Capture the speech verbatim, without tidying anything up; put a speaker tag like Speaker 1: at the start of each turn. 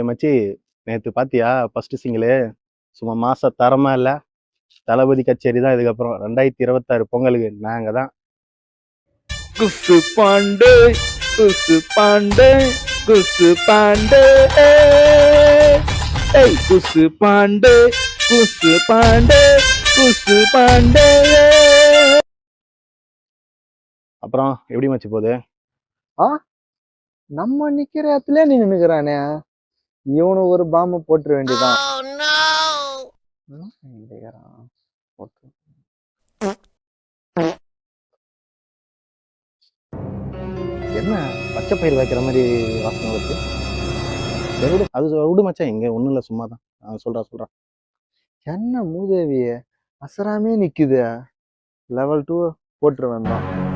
Speaker 1: மச்சி நேற்று பாத்தியா ஃபர்ஸ்ட் சிங்கிளு சும்மா மாச தரமா இல்ல. தளபதி கச்சேரி தான் இதுக்கப்புறம் ரெண்டாயிரத்தி இருபத்தாறு பொங்கலுக்கு நாங்க தான்.
Speaker 2: குசு பாண்டே குசு பாண்டே குசு பாண்டே ஏய் குசு பாண்டே குசு பாண்டே குசு பாண்டே.
Speaker 1: அப்புறம் எப்படி மச்சி போகுது?
Speaker 2: ஆ நம்ம நிக்கிற இடத்துல நீ நின்னுக்கிறானே, இவனு ஒரு பாம்பு போட்டுற வேண்டியதான்.
Speaker 1: என்ன பச்சை பயிர் வைக்கிற மாதிரி வாசனை வருது? சரி விடு, அது சொ- விடு மச்சான், இங்க ஒண்ணும் இல்ல, சும்மா தான். நான் சொல்றேன் சொல்றேன்.
Speaker 2: என்ன மூதேவிய அசராமே நிக்குது. லெவல் டூ போட்டுருவேன் தான்.